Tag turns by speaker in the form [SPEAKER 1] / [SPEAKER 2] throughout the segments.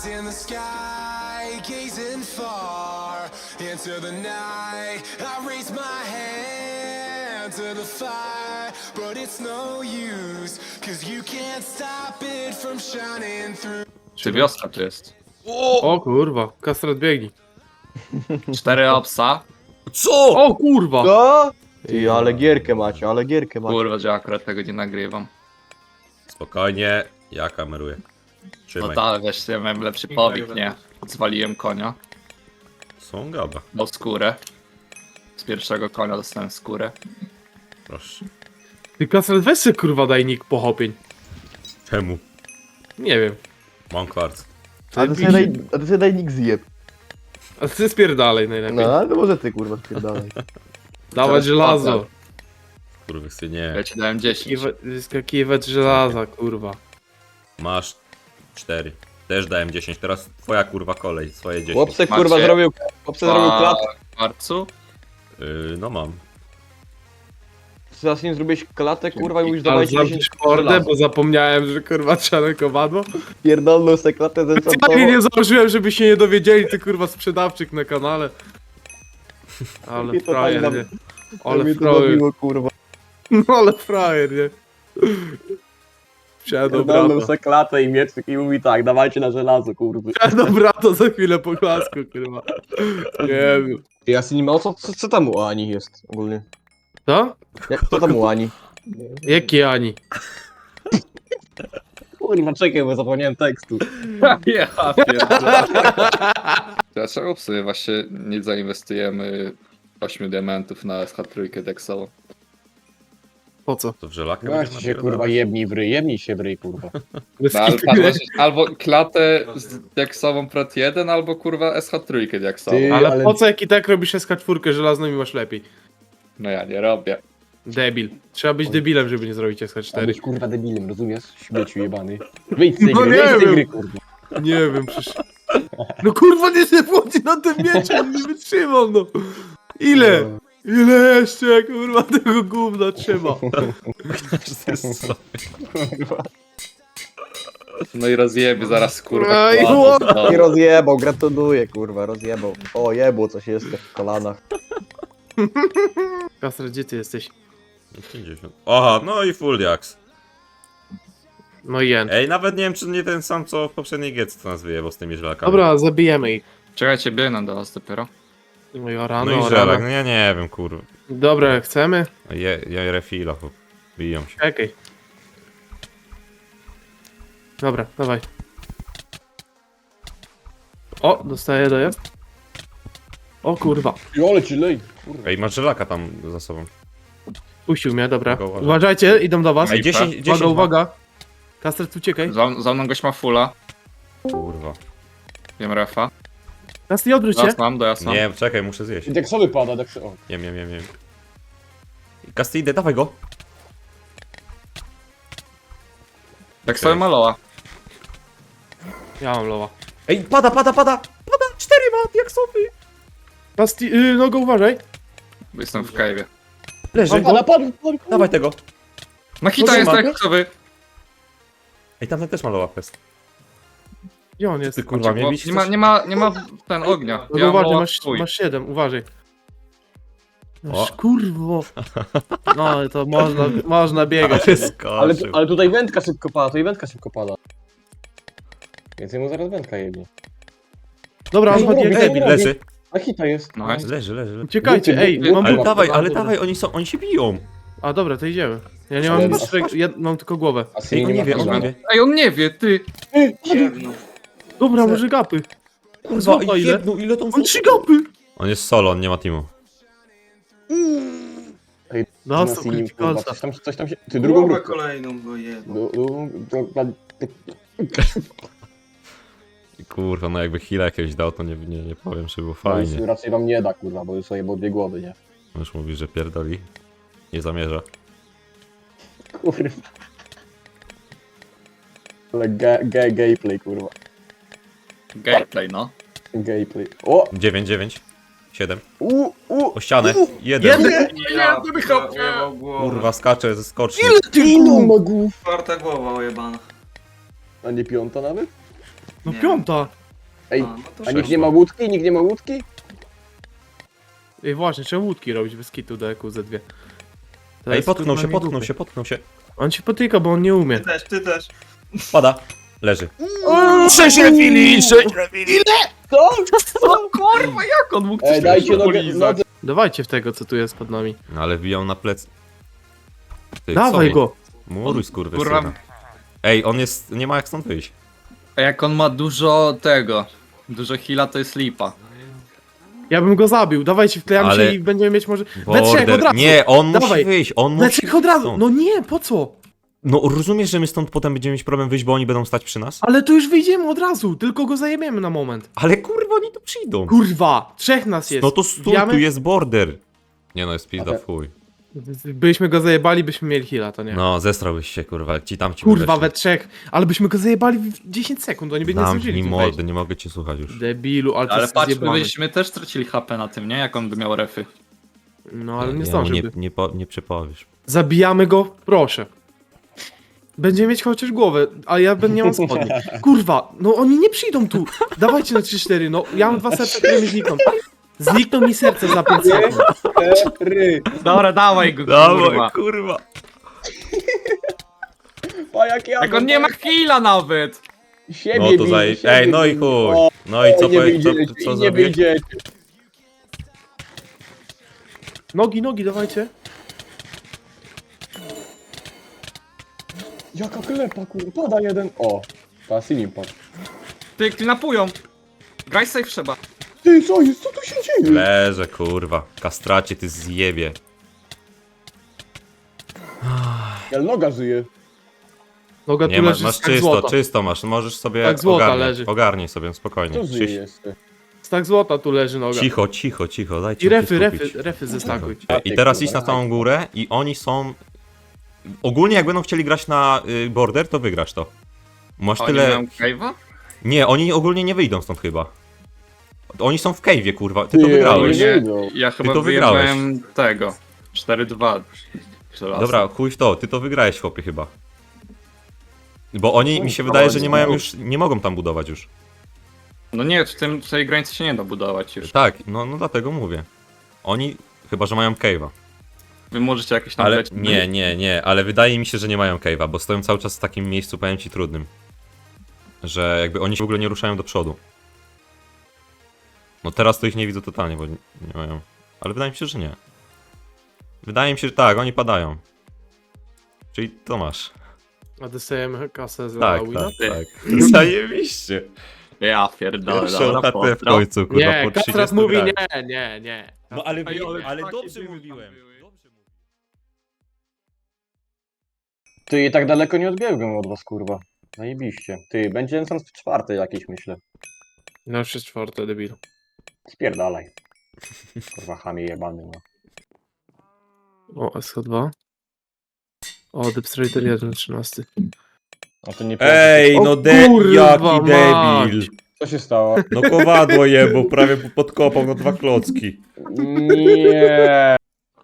[SPEAKER 1] eyes in the sky, gazing far into the night. I raise my hand to the fire, but it's no use, 'cause you can't stop it from shining through.
[SPEAKER 2] Czy wiosna tu jest?
[SPEAKER 3] O kurwa, Kastrat biegnie.
[SPEAKER 2] 4 obsa.
[SPEAKER 4] Co?
[SPEAKER 3] O kurwa!
[SPEAKER 5] Co? Ty, ale gierkę macie, ale gierkę macie.
[SPEAKER 2] Kurwa, że akurat tego nie nagrywam.
[SPEAKER 4] Spokojnie, ja kameruję.
[SPEAKER 2] No
[SPEAKER 4] Trzymaj.
[SPEAKER 2] tak, wiesz, ja miałem lepszy powik, nie? Zwaliłem konia.
[SPEAKER 4] Są gada.
[SPEAKER 2] Dał skórę. Z pierwszego konia dostałem skórę.
[SPEAKER 4] Proszę.
[SPEAKER 3] Ty Kastrat weź się kurwa daj nick pochopień.
[SPEAKER 4] Czemu?
[SPEAKER 3] Nie wiem.
[SPEAKER 4] Mam kwarc.
[SPEAKER 5] A ty sobie daj nick zjeb.
[SPEAKER 3] A ty spierdalej najlepiej.
[SPEAKER 5] No, ale to może ty kurwa spierdalaj.
[SPEAKER 3] Dawać
[SPEAKER 2] Teraz
[SPEAKER 3] żelazo.
[SPEAKER 2] płacę.
[SPEAKER 4] Kurwa, nie.
[SPEAKER 2] Ja ci dałem 10.
[SPEAKER 3] Skakiwać żelaza, kurwa.
[SPEAKER 4] Masz 4. Też dałem 10. Teraz twoja kurwa kolej. Swoje 10.
[SPEAKER 5] Chłopcy
[SPEAKER 2] Macie?
[SPEAKER 5] kurwa zrobił klatkę.
[SPEAKER 2] Kwarcu?
[SPEAKER 4] No mam.
[SPEAKER 5] Zaraz nie zrobiłeś klatę kurwa i mówisz
[SPEAKER 3] Ale
[SPEAKER 5] dawajcie
[SPEAKER 3] zamknij
[SPEAKER 5] 10
[SPEAKER 3] mordę,
[SPEAKER 5] żelaza.
[SPEAKER 3] bo zapomniałem, że kurwa trzeba na kowadło.
[SPEAKER 5] Pierdolną se klatę
[SPEAKER 3] Specjalnie nie założyłem, żeby się nie dowiedzieli, ty kurwa sprzedawczyk na kanale. Ale
[SPEAKER 5] Mnie to
[SPEAKER 3] frajer,
[SPEAKER 5] tak
[SPEAKER 3] nie?
[SPEAKER 5] Ale
[SPEAKER 3] Ale
[SPEAKER 5] to
[SPEAKER 3] frajer.
[SPEAKER 5] zabiło kurwa.
[SPEAKER 3] No ale frajer, nie? Wsiadł
[SPEAKER 5] Pierdolną
[SPEAKER 3] brata.
[SPEAKER 5] se klatę i mieczyk i mówi tak, dawajcie na żelazo kurwa.
[SPEAKER 3] Wsiadł brata za chwilę po klasku, kurwa. Nie wiem.
[SPEAKER 5] Ja z nim, co tam u Ani jest ogólnie?
[SPEAKER 3] Co?
[SPEAKER 5] Co tam u Ani?
[SPEAKER 3] Jaki Ani?
[SPEAKER 5] Kurwa czekaj, bo zapomniałem tekstu.
[SPEAKER 2] Ja pierdolę. Dlaczego w sumie właśnie nie zainwestujemy 8 diamentów na SH3 Dexowo?
[SPEAKER 3] Po co?
[SPEAKER 4] To w żelakę
[SPEAKER 6] Weź się kurwa jebnij się w ryj kurwa.
[SPEAKER 3] Bez
[SPEAKER 2] No, ale
[SPEAKER 3] kitu,
[SPEAKER 2] padło,
[SPEAKER 3] nie?
[SPEAKER 2] że albo klatę z Dexową Prat 1, albo kurwa SH3 Dexową.
[SPEAKER 6] Ty-
[SPEAKER 3] Ale
[SPEAKER 6] ale-
[SPEAKER 3] po co jak i tak robisz SK4 żelazną i masz lepiej?
[SPEAKER 2] No ja nie robię.
[SPEAKER 3] Debil. Trzeba być debilem, żeby nie zrobić
[SPEAKER 6] Trzeba
[SPEAKER 3] SK4.
[SPEAKER 6] być kurwa debilem, rozumiesz? Śmieciu jebany. Wyjdź z tej
[SPEAKER 3] No
[SPEAKER 6] gry,
[SPEAKER 3] nie
[SPEAKER 6] wyjdź z tej
[SPEAKER 3] wiem.
[SPEAKER 6] gry kurwa.
[SPEAKER 3] Nie wiem, przecież... No kurwa, nie się wchodzi na ten mieczem, nie wytrzymam, no. Ile? Ile jeszcze, kurwa, tego gówna trzeba?
[SPEAKER 2] No i rozjebie zaraz kurwa.
[SPEAKER 3] Ej,
[SPEAKER 2] kładu
[SPEAKER 3] what?
[SPEAKER 2] znowu.
[SPEAKER 5] I rozjebał, gratuluję kurwa, rozjebał. O jebło coś jest w kolanach.
[SPEAKER 3] Kastra, gdzie ty jesteś?
[SPEAKER 4] 50. Aha, no i full jaks.
[SPEAKER 3] No i jen.
[SPEAKER 4] Ej, nawet nie wiem, czy nie ten sam, co w poprzedniej getce nas wyjebał z tymi żelakami.
[SPEAKER 3] Dobra, zabijemy ich.
[SPEAKER 2] Czekajcie, biegnę do was dopiero.
[SPEAKER 3] No i
[SPEAKER 4] No
[SPEAKER 3] rano,
[SPEAKER 4] i żelak, no ja nie wiem, kurwa.
[SPEAKER 3] Dobra, chcemy?
[SPEAKER 4] Ja refila, bo biją się.
[SPEAKER 3] Czekaj. Dobra, dawaj. O, dostaję dojazd. O kurwa.
[SPEAKER 6] I ole ci lej. Kurwa.
[SPEAKER 4] Ej, masz żelaka tam za sobą.
[SPEAKER 3] Puścił mnie, dobra.
[SPEAKER 4] Uwaga, uwaga.
[SPEAKER 3] Uważajcie, idą do was.
[SPEAKER 4] Ej, 10, 10
[SPEAKER 3] Uwaga, uwaga. Kastret, uciekaj.
[SPEAKER 2] Za mną gość ma fulla.
[SPEAKER 4] Kurwa.
[SPEAKER 2] Wiem refa.
[SPEAKER 3] Kastret, odwróć się.
[SPEAKER 2] Dojazd mam, dojazd mam.
[SPEAKER 4] Nie, czekaj, muszę zjeść.
[SPEAKER 6] I deksowy pada, deksowy. O.
[SPEAKER 4] Jem. Castidy, dawaj go.
[SPEAKER 2] Tak sobie maloła.
[SPEAKER 3] Ja mam lowa.
[SPEAKER 4] Ej, pada! 4 ma, jak sobie.
[SPEAKER 3] Kastret, no go uważaj.
[SPEAKER 2] Bo jestem w cave'ie.
[SPEAKER 4] Leży.
[SPEAKER 6] Padł.
[SPEAKER 4] Dawaj tego.
[SPEAKER 2] Makita jest
[SPEAKER 3] Trzyma.
[SPEAKER 2] deksowy.
[SPEAKER 4] Ej, tamten też ma low upest.
[SPEAKER 3] Gdzie on jest?
[SPEAKER 4] Ty kurwa, mnie bić
[SPEAKER 2] Nie ma ten ognia.
[SPEAKER 3] No
[SPEAKER 2] Ja mam
[SPEAKER 3] uważaj,
[SPEAKER 2] loa
[SPEAKER 3] masz,
[SPEAKER 2] swój.
[SPEAKER 3] masz 7, uważaj. No
[SPEAKER 4] O.
[SPEAKER 3] kurwo. No to można biegać.
[SPEAKER 6] Ale,
[SPEAKER 4] skoczył.
[SPEAKER 6] ale tutaj wędka szybko pada, Więc jemu zaraz wędka jebnie.
[SPEAKER 3] Dobra, on
[SPEAKER 6] Ej,
[SPEAKER 3] chodzi jak
[SPEAKER 6] robię,
[SPEAKER 3] debil.
[SPEAKER 6] robię.
[SPEAKER 4] Leży.
[SPEAKER 6] A hita jest.
[SPEAKER 2] No,
[SPEAKER 4] Leży.
[SPEAKER 3] Uciekajcie, ej,
[SPEAKER 6] Buty,
[SPEAKER 3] mam
[SPEAKER 6] buty.
[SPEAKER 3] buty.
[SPEAKER 4] Ale dawaj, oni się biją.
[SPEAKER 3] A dobra, to idziemy. Ja nie mam
[SPEAKER 6] Ale-
[SPEAKER 3] nic, ja mam tylko głowę.
[SPEAKER 6] A
[SPEAKER 4] Ej,
[SPEAKER 6] Siri
[SPEAKER 4] on nie wie,
[SPEAKER 6] ma
[SPEAKER 4] on nie wie.
[SPEAKER 2] Ej, on nie wie, ty.
[SPEAKER 3] Dobra, może gapy.
[SPEAKER 4] Kurwa,
[SPEAKER 3] Złota ile?
[SPEAKER 4] ile tą
[SPEAKER 3] On 3 gapy!
[SPEAKER 4] On jest solo, on nie ma teamu.
[SPEAKER 3] Dostał
[SPEAKER 6] Siri,
[SPEAKER 3] kryci
[SPEAKER 6] kurwa,
[SPEAKER 3] kolca.
[SPEAKER 6] coś tam się... Ty drugą grupę.
[SPEAKER 7] kolejną go jedną.
[SPEAKER 4] Kurwa, no jakby heal'a jakiegoś dał, to nie powiem, że było fajnie.
[SPEAKER 6] Raczej wam nie da kurwa, bo już sobie było 2 głowy, nie?
[SPEAKER 4] Już mówi, że pierdoli. Nie zamierza.
[SPEAKER 6] Kurwa. Ale gameplay kurwa.
[SPEAKER 2] Gameplay, no.
[SPEAKER 6] Gameplay. O!
[SPEAKER 4] 9, 7. O ścianę. 1.
[SPEAKER 7] Ja ojebał głowę.
[SPEAKER 4] Kurwa, skacze ze skoczni.
[SPEAKER 6] Ilu ma głów?
[SPEAKER 7] Czwarta głowa ojebana.
[SPEAKER 6] A nie 5 nawet?
[SPEAKER 3] No
[SPEAKER 7] Nie.
[SPEAKER 3] piąta.
[SPEAKER 5] Ej,
[SPEAKER 7] A, no to
[SPEAKER 5] a nikt nie ma łódki? Nikt nie ma łódki?
[SPEAKER 3] Ej, właśnie, trzeba łódki robić bez kitu do EQZ2. To
[SPEAKER 4] Ej,
[SPEAKER 3] jest,
[SPEAKER 4] potknął
[SPEAKER 3] kurwa,
[SPEAKER 4] się,
[SPEAKER 3] nie
[SPEAKER 4] potknął
[SPEAKER 3] dupy.
[SPEAKER 4] się, potknął się.
[SPEAKER 3] On się potyka, bo on nie umie.
[SPEAKER 7] Ty też.
[SPEAKER 4] Pada. Leży.
[SPEAKER 3] 6 refili! 6 refili!
[SPEAKER 5] Co?
[SPEAKER 3] Kurwa, jak on mógł coś
[SPEAKER 5] Ej, dajcie
[SPEAKER 3] takiego
[SPEAKER 5] nogę,
[SPEAKER 3] polizać?
[SPEAKER 5] nodze.
[SPEAKER 3] Dawajcie w tego, co tu jest pod nami.
[SPEAKER 4] No ale wbijał na plec. Ty,
[SPEAKER 3] Dawaj
[SPEAKER 4] co?
[SPEAKER 3] go!
[SPEAKER 4] Muruj skurwysyna.
[SPEAKER 2] Kurwa.
[SPEAKER 4] Ej, on jest... nie ma jak stąd wyjść.
[SPEAKER 2] A jak on ma dużo tego, dużo heala, to jest lipa.
[SPEAKER 3] Ja bym go zabił, dawajcie, wklejamy
[SPEAKER 4] Ale-
[SPEAKER 3] się i będziemy mieć może... We trzech
[SPEAKER 4] Border.
[SPEAKER 3] od razu!
[SPEAKER 4] Nie, on
[SPEAKER 3] Dawaj.
[SPEAKER 4] musi wyjść, on
[SPEAKER 3] We
[SPEAKER 4] musi
[SPEAKER 3] trzech od razu!
[SPEAKER 4] stąd.
[SPEAKER 3] No nie, po co?
[SPEAKER 4] No rozumiesz, że my stąd potem będziemy mieć problem wyjść, bo oni będą stać przy nas?
[SPEAKER 3] Ale to już wyjdziemy od razu, tylko go zajebiemy na moment.
[SPEAKER 4] Ale kurwa, oni tu przyjdą.
[SPEAKER 3] Kurwa, trzech nas jest.
[SPEAKER 4] No to stój,
[SPEAKER 3] Wbijamy?
[SPEAKER 4] tu jest border. Nie no, jest pizda,
[SPEAKER 5] Ale-
[SPEAKER 4] w chuj.
[SPEAKER 3] Byśmy go zajebali, byśmy mieli heala, to nie.
[SPEAKER 4] No, zestrałbyś się, kurwa, jak ci tam ci
[SPEAKER 3] Kurwa,
[SPEAKER 4] weszli.
[SPEAKER 3] we trzech, ale byśmy go zajebali w 10 sekund, oni by nie
[SPEAKER 4] Dam
[SPEAKER 3] zdążyli
[SPEAKER 4] mi
[SPEAKER 3] tu wejść.
[SPEAKER 4] mordy, nie mogę cię słuchać już.
[SPEAKER 3] Debilu, ale to
[SPEAKER 2] Ale
[SPEAKER 3] jest
[SPEAKER 2] patrz,
[SPEAKER 3] zjebane.
[SPEAKER 2] byśmy też stracili HP na tym, nie? Jak on by miał refy.
[SPEAKER 3] No ale nie
[SPEAKER 4] mu
[SPEAKER 3] zdążyłby.
[SPEAKER 4] nie przepowiesz.
[SPEAKER 3] Zabijamy go, proszę. Będziemy mieć chociaż głowę, a ja nie mam spodni. Kurwa, no oni nie przyjdą tu. Dawajcie na 3-4, no ja mam 2 serca, które mi znikną. Znikną mi serce za 5 sekund.
[SPEAKER 2] Dobra, dawaj go, kurwa.
[SPEAKER 4] kurwa.
[SPEAKER 5] A jak ja
[SPEAKER 2] Jak on nie ma heala nawet!
[SPEAKER 5] Siebie
[SPEAKER 4] No to
[SPEAKER 5] bije,
[SPEAKER 4] zaj...
[SPEAKER 5] siebie
[SPEAKER 4] Ej, no i
[SPEAKER 5] bije.
[SPEAKER 4] chuj.
[SPEAKER 5] O,
[SPEAKER 4] No i co,
[SPEAKER 5] nie
[SPEAKER 4] powiedz,
[SPEAKER 5] wyjdziecie,
[SPEAKER 4] co
[SPEAKER 5] nie
[SPEAKER 4] zrobiłeś?
[SPEAKER 5] wyjdziecie.
[SPEAKER 3] Nogi, dawajcie.
[SPEAKER 5] Jaka klepa, kurwa, pada jeden. O, Pasilim padł.
[SPEAKER 2] Ty, klinapują! Graj safe trzeba.
[SPEAKER 5] Ty, co jest? Co tu się dzieje?
[SPEAKER 4] Leżę, kurwa. Kastracie, ty zjebie.
[SPEAKER 5] Ja noga żyje.
[SPEAKER 3] Noga
[SPEAKER 4] Nie,
[SPEAKER 3] tu
[SPEAKER 4] masz,
[SPEAKER 3] leży
[SPEAKER 4] masz
[SPEAKER 3] stak
[SPEAKER 4] czysto,
[SPEAKER 3] złota.
[SPEAKER 4] czysto masz. Możesz sobie
[SPEAKER 3] Tak, złota
[SPEAKER 4] ogarnij,
[SPEAKER 3] leży.
[SPEAKER 4] ogarnij sobie, spokojnie.
[SPEAKER 5] Co żyje jeszcze?
[SPEAKER 3] Stak złota tu leży noga.
[SPEAKER 4] Cicho, cicho, cicho, dajcie
[SPEAKER 3] I
[SPEAKER 4] mi się
[SPEAKER 3] refy,
[SPEAKER 4] skupić.
[SPEAKER 3] refy zestakuj.
[SPEAKER 4] I teraz idź na tą górę i oni są... Ogólnie jak będą chcieli grać na border, to wygrasz to. Masz
[SPEAKER 2] Oni
[SPEAKER 4] tyle...
[SPEAKER 2] mają cave'a?
[SPEAKER 4] Nie, oni ogólnie nie wyjdą stąd chyba. Oni są w cave'ie, kurwa. Ty to
[SPEAKER 5] Ty,
[SPEAKER 4] wygrałeś.
[SPEAKER 5] oni nie wyjdą.
[SPEAKER 2] Ja chyba
[SPEAKER 4] to wygrałeś.
[SPEAKER 2] wyjebałem tego. 4-2. żelazo.
[SPEAKER 4] Dobra, chuj w to, ty to wygrałeś, chłopie, chyba. Bo oni, mi się wydaje, że nie mają już, nie mogą tam budować już.
[SPEAKER 2] No nie, w tej granicy się nie da budować już.
[SPEAKER 4] Tak, no dlatego mówię. Oni, chyba że mają cave'a.
[SPEAKER 2] Wy możecie jakieś tam
[SPEAKER 4] Ale
[SPEAKER 2] lecieć.
[SPEAKER 4] nie, ale wydaje mi się, że nie mają cave'a, bo stoją cały czas w takim miejscu, powiem ci, trudnym. Że jakby oni się w ogóle nie ruszają do przodu. No teraz to ich nie widzę totalnie, bo nie mają. Ale wydaje mi się, że nie. Wydaje mi się, że tak, oni padają. Czyli to masz.
[SPEAKER 3] A dostajemy kasę za
[SPEAKER 4] Tak,
[SPEAKER 3] wina?
[SPEAKER 4] tak. Zajebiście.
[SPEAKER 2] Ja pierdolę,
[SPEAKER 4] Pierwszą
[SPEAKER 2] dobra,
[SPEAKER 4] chatę w
[SPEAKER 2] pozdro.
[SPEAKER 4] końcu, kurwa,
[SPEAKER 3] Nie,
[SPEAKER 4] po 30
[SPEAKER 3] Kastrat mówi
[SPEAKER 4] grach.
[SPEAKER 3] nie.
[SPEAKER 4] No ale,
[SPEAKER 2] Ej,
[SPEAKER 4] ale
[SPEAKER 2] takie
[SPEAKER 4] dobrze
[SPEAKER 2] było
[SPEAKER 4] mówiłem.
[SPEAKER 2] tam były.
[SPEAKER 4] Dobrze mówiłem.
[SPEAKER 5] Ty, tak daleko nie odbiegłem od was, kurwa. Zajebiście. Ty, będzie Enchant w 4 jakieś, myślę.
[SPEAKER 3] No już jest 4, debilu.
[SPEAKER 5] Spierdalaj. Kurwa, chamie jebany, no.
[SPEAKER 3] O, SH2. O, Depstrader 1, 13.
[SPEAKER 5] A to nie
[SPEAKER 4] Ej,
[SPEAKER 3] O
[SPEAKER 4] no
[SPEAKER 3] kurwa
[SPEAKER 4] jaki
[SPEAKER 3] mać.
[SPEAKER 4] debil.
[SPEAKER 5] Co się stało?
[SPEAKER 4] No kowadło jebał, prawie podkopał no 2 klocki.
[SPEAKER 5] Nie.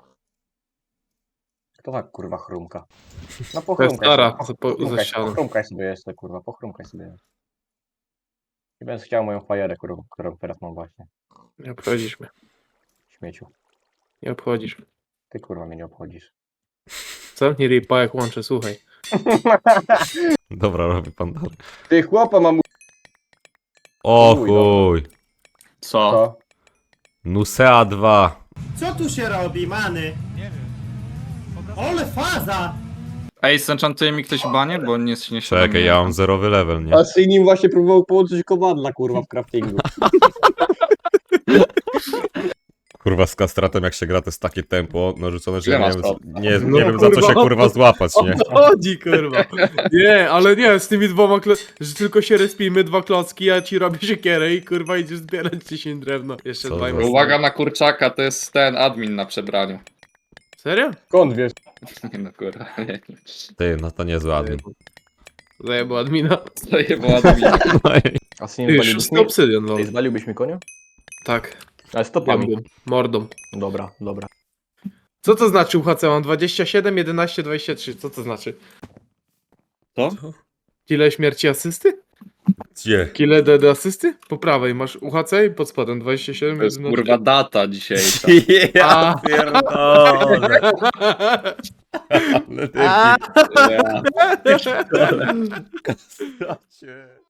[SPEAKER 5] Kto tak, kurwa, chrumka? No
[SPEAKER 3] To jest stara, za
[SPEAKER 5] pochrumkaj,
[SPEAKER 3] ścianą.
[SPEAKER 5] pochrumkaj sobie jeszcze, kurwa, pochrumkaj sobie. Nie będę chciał moją fajerę, którą teraz mam właśnie.
[SPEAKER 3] Nie obchodzisz mnie.
[SPEAKER 5] Śmieciu.
[SPEAKER 3] Nie obchodzisz.
[SPEAKER 5] Ty, kurwa, mnie nie obchodzisz.
[SPEAKER 3] Zamknij ripa jak łączę, słuchaj.
[SPEAKER 4] Dobra, robi pan dalej.
[SPEAKER 5] Ty, chłopa mam...
[SPEAKER 4] O
[SPEAKER 5] Chuj,
[SPEAKER 4] chuj.
[SPEAKER 2] Co?
[SPEAKER 5] Co?
[SPEAKER 4] Nusea 2.
[SPEAKER 8] Co tu się robi, many? Nie wiem. Ole faza!
[SPEAKER 2] Ej, zenchantuje mi ktoś banie, bo nie się
[SPEAKER 4] Czekaj, ja mam zerowy level, nie?
[SPEAKER 5] A z nim właśnie próbował połączyć kowadla, kurwa, w craftingu.
[SPEAKER 4] Kurwa z kastratem jak się gra to jest takie tempo narzucone, że
[SPEAKER 2] Ile
[SPEAKER 4] ja nie
[SPEAKER 2] masz
[SPEAKER 4] wiem,
[SPEAKER 2] to?
[SPEAKER 4] nie
[SPEAKER 3] No,
[SPEAKER 4] wiem za co się
[SPEAKER 3] kurwa,
[SPEAKER 4] kurwa złapać, nie?
[SPEAKER 3] Chodzi, kurwa. Nie, ale nie, z tymi dwoma że tylko się respimy, 2 klocki, ja ci robię siekierę i kurwa idziesz zbierać 10 drewna. Jeszcze
[SPEAKER 4] Co
[SPEAKER 3] 2
[SPEAKER 4] za-
[SPEAKER 2] Uwaga na kurczaka, to jest ten admin na przebraniu.
[SPEAKER 3] Serio?
[SPEAKER 5] Skąd wiesz?
[SPEAKER 2] No kurwa, nie.
[SPEAKER 4] Ty, no to niezły admin.
[SPEAKER 3] Zajebał admina.
[SPEAKER 2] To je było admin.
[SPEAKER 5] A z nim
[SPEAKER 3] Ty,
[SPEAKER 5] zwaliłbyś
[SPEAKER 3] 6
[SPEAKER 5] mi?
[SPEAKER 3] obsydian, no.
[SPEAKER 5] Ty, zwaliłbyś mi konia?
[SPEAKER 3] Tak,
[SPEAKER 5] Ale stopami.
[SPEAKER 3] mordą. Mordą.
[SPEAKER 5] Dobra, dobra.
[SPEAKER 3] Co to znaczy UHC? Mam 27, 11, 23. Co to znaczy?
[SPEAKER 2] Co?
[SPEAKER 3] Ile śmierci asysty?
[SPEAKER 4] Gdzie?
[SPEAKER 3] Kile do asysty? Po prawej masz UHC i pod spodem 27.
[SPEAKER 2] To jest
[SPEAKER 3] no-
[SPEAKER 2] kurwa data dzisiejsza.
[SPEAKER 4] Ja
[SPEAKER 3] A.
[SPEAKER 4] pierdolę. Ale ty
[SPEAKER 2] Ja.
[SPEAKER 4] Cię.